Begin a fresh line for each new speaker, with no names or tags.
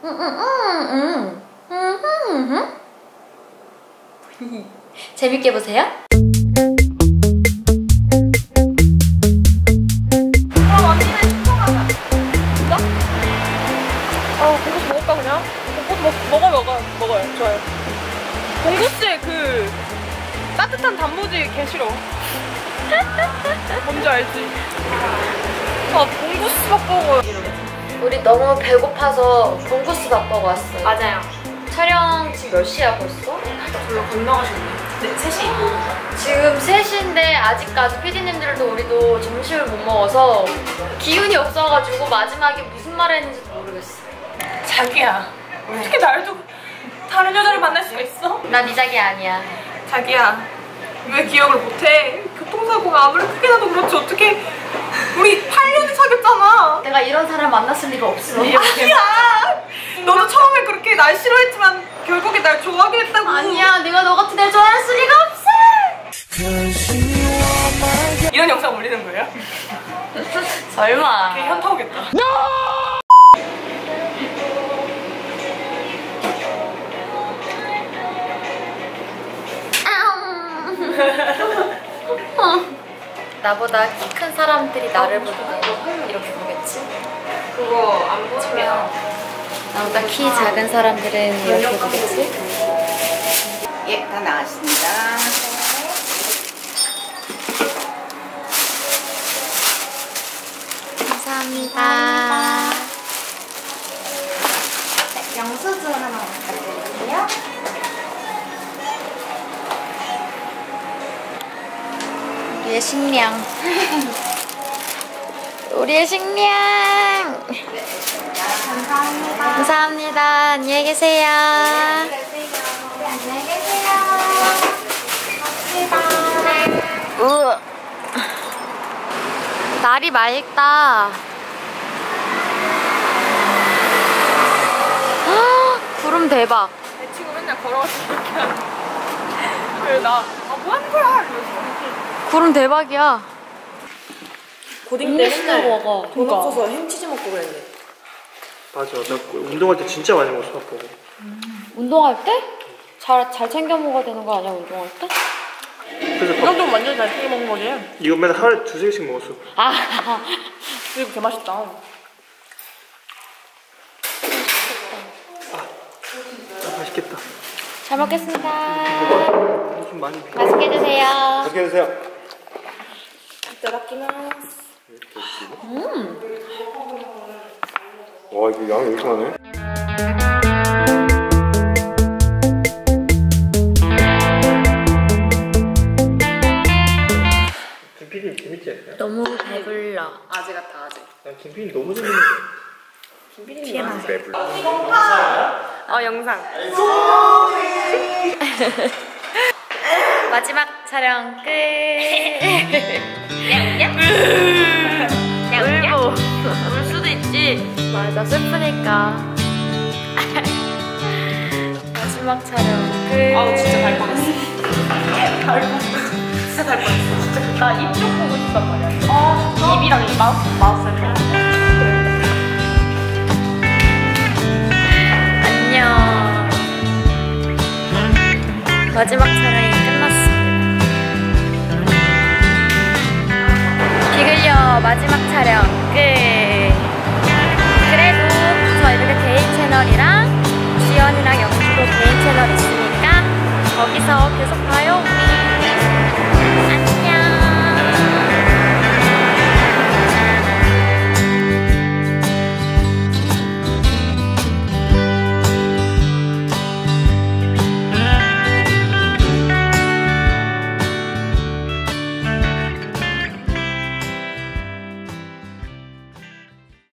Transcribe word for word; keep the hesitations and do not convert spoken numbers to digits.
재밌게 보세요.
그럼 언니는 신청하자. 진짜? 아, 봉구스 먹을까 그냥? 봉구스 먹, 먹어 먹어 먹어요. 좋아요. 봉구스의 그 따뜻한 단무지 개 싫어. 뭔지 알지? 아, 봉구스 밥 먹어요.
우리 너무 배고파서 봉구스 밥 먹어 왔어요.
맞아요.
촬영 지금 몇 시야 벌써?
별로 건너가셨네. 네, 세 시?
지금 세 시인데 아직까지 피디님들도 우리도 점심을 못 먹어서 기운이 없어가지고 마지막에 무슨 말을 했는지도 모르겠어.
자기야, 어떻게 날 두고 다른 여자를 만날 수가 있어?
난 네 자기 아니야.
자기야, 왜 기억을 못해? 교통사고가 아무리 크게 나도 그렇지 어떻게 우리 팔 년을 사귀었잖아.
내가 이런 사람 만났을 리가 없어.
아니야! 너도 처음에 그렇게 날 싫어했지만 결국에 날 좋아하게 했다고.
아니야, 내가 너 같은 애 좋아할 리가 없어.
이런 영상 올리는 거예요?
설마.
걔 현타 오겠다.
나보다 키 큰 사람들이 나를 보고 이렇게 보겠지?
그거 안 보면
나보다 키 작은 사람들은 이렇게 보겠지?
예, 다 나왔습니다.
감사합니다.
네, 영수증 하나 부탁드릴게요.
우리의 식량. 우리의 식량.
감사합니다.
감사합니다. 안녕히 계세요.
안녕히 계세요. 고맙습니다.
우. 날이 맑다. 헉, 구름 대박.
내 친구 맨날 걸어가서 이렇게 하는. 그래 나 아, 뭐 하는 거야? 이러면서.
구름 대박이야.
고딩 때 맨날
먹어.
돈 없어서 햄치즈 먹고 그랬네.
맞아. 나 운동할 때 진짜 많이 먹었어, 밥 보고.
음. 운동할 때? 잘, 잘 챙겨 먹어야 되는 거 아니야, 운동할 때?
그래서
이
밥,
정도면 완전 잘 챙겨 먹는 거지.
이거 맨날 하루에 두세 개씩 먹었어.
아,
그리고 개 맛있다.
아, 맛있겠다.
잘 먹겠습니다.
좀 많이 비.
맛있게 드세요.
맛있게 드세요.
이따다키마스.
음.
와, 이거 양이 왜 이렇게 많네? 김피디 재밌지 않냐?
너무 배불러.
아재 같아, 아재.
난 김피디 너무 재밌는데.
김비님 아재.
배불러.
어 영상.
마지막 촬영 끝. 울보. 울 수도 있지. 맞아, 슬프니까. 마지막 촬영 끝.
아우 진짜 달 뻔했어. 달 뻔했어. 진짜 달 뻔했어. 진짜 나 입 쪽 보고 싶단 말이야. 아 입이랑 이 마우스 마우스 이렇게.
안녕. 마지막 촬영이 끝났습니다. 비글려 마지막 촬영 끝. 그래도 저희들 개인 채널이랑 지연이랑 영수도 개인 채널 있으니까 거기서 계속